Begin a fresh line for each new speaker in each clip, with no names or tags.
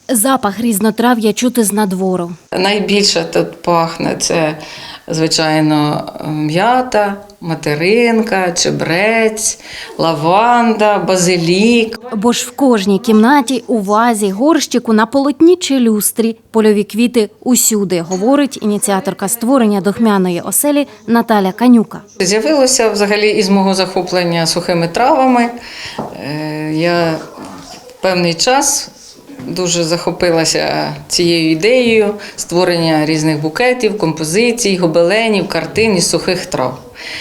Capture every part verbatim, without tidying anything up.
Запах різнотрав'я чути з надвору.
Найбільше тут пахне це, звичайно, м'ята, материнка, чебрець, лаванда, базилік.
Бо ж в кожній кімнаті, у вазі, горщику, на полотні чи люстрі польові квіти усюди, говорить ініціаторка створення духмяної оселі Наталя Канюка.
З'явилося взагалі із мого захоплення сухими травами. Я певний час дуже захопилася цією ідеєю створення різних букетів, композицій, гобеленів, картин із сухих трав.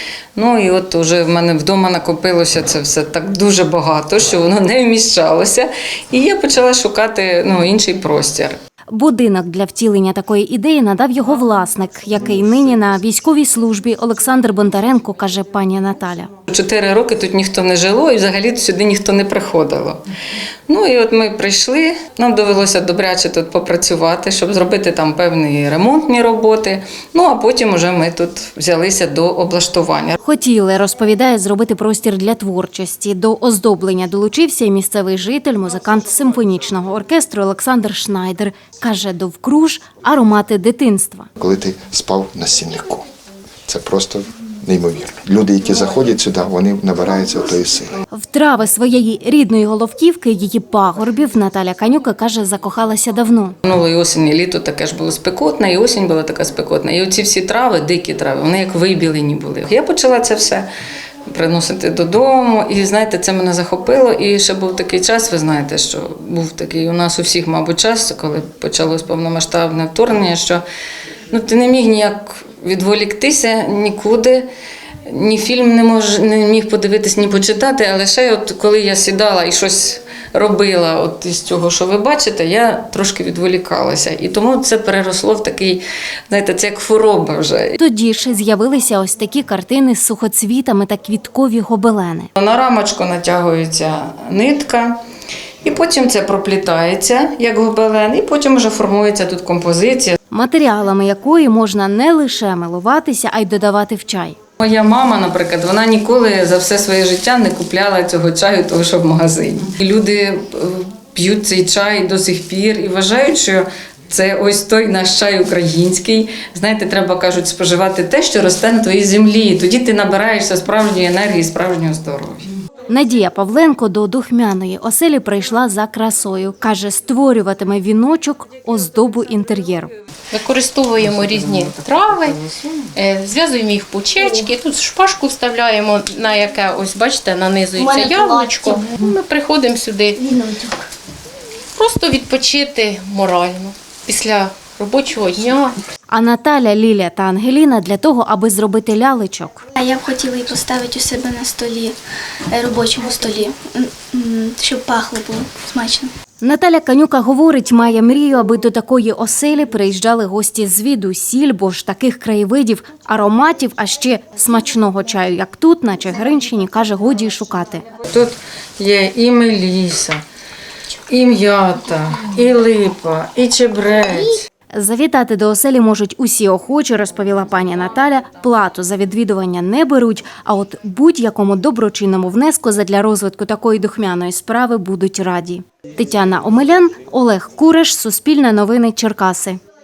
Ну і от уже в мене вдома накопилося це все так дуже багато, що воно не вміщалося. І я почала шукати ну, інший простір.
Будинок для втілення такої ідеї надав його власник, який нині на військовій службі Олександр Бондаренко, каже пані Наталя.
Чотири роки тут ніхто не жило і взагалі сюди ніхто не приходило. Ну і от ми прийшли, нам довелося добряче тут попрацювати, щоб зробити там певні ремонтні роботи. Ну а потім уже ми тут взялися до облаштування.
Хотіли, розповідає, зробити простір для творчості. До оздоблення долучився і місцевий житель, музикант симфонічного оркестру Олександр Шнайдер. Каже, довкруж аромати дитинства.
Коли ти спав на стільнику, це просто неймовірно. Люди, які заходять сюди, вони набираються тої сили.
В трави своєї рідної Головківки, її пагорбів, Наталя Канюка, каже, закохалася давно.
Минулої осені, літо таке ж було спекотне, і осінь була така спекотна. І оці всі трави, дикі трави, вони як вибілені були. Я почала це все приносити додому, і, знаєте, це мене захопило. І ще був такий час, ви знаєте, що був такий у нас у всіх, мабуть, час, коли почалось повномасштабне вторгнення, що ну, ти не міг ніяк відволіктися нікуди, ні фільм не, мож, не міг подивитись, ні почитати, але ще от коли я сідала і щось робила от із цього, що ви бачите, я трошки відволікалася. І тому це переросло в такий, знаєте, це як хвороба вже.
Тоді ж з'явилися ось такі картини з сухоцвітами та квіткові гобелени.
На рамочку натягується нитка, і потім це проплітається, як гобелен, і потім вже формується тут композиція.
Матеріалами якої можна не лише милуватися, а й додавати в чай.
Моя мама, наприклад, вона ніколи за все своє життя не купляла цього чаю, того, що в магазині. І люди п'ють цей чай до сих пір і вважають, що це ось той наш чай український. Знаєте, треба, кажуть, споживати те, що росте на твоїй землі. Тоді ти набираєшся справжньої енергії, справжнього здоров'я.
Надія Павленко до духмяної оселі прийшла за красою. Каже, створюватиме віночок, оздобу інтер'єру.
Використовуємо різні трави, зв'язуємо їх пучечки, тут шпажку вставляємо, на яке, ось бачите, нанизується яблучко. Ми приходимо сюди просто відпочити морально після робочого дня.
А Наталя, Ліля та Ангеліна для того, аби зробити лялечок.
Я б хотіла її поставити у себе на столі, робочому столі, щоб пахло було смачно.
Наталя Канюка говорить, має мрію, аби до такої оселі приїжджали гості звідусіль, бо ж таких краєвидів, ароматів, а ще смачного чаю, як тут, на Чигиринщині, каже, годі й шукати.
Тут є і меліса, і м'ята, і липа, і чебрець.
Завітати до оселі можуть усі охочі, розповіла пані Наталя. Плату за відвідування не беруть, а от будь-якому доброчинному внеску задля розвитку такої духмяної справи будуть раді. Тетяна Омелян, Олег Кураш, Суспільне новини, Черкаси.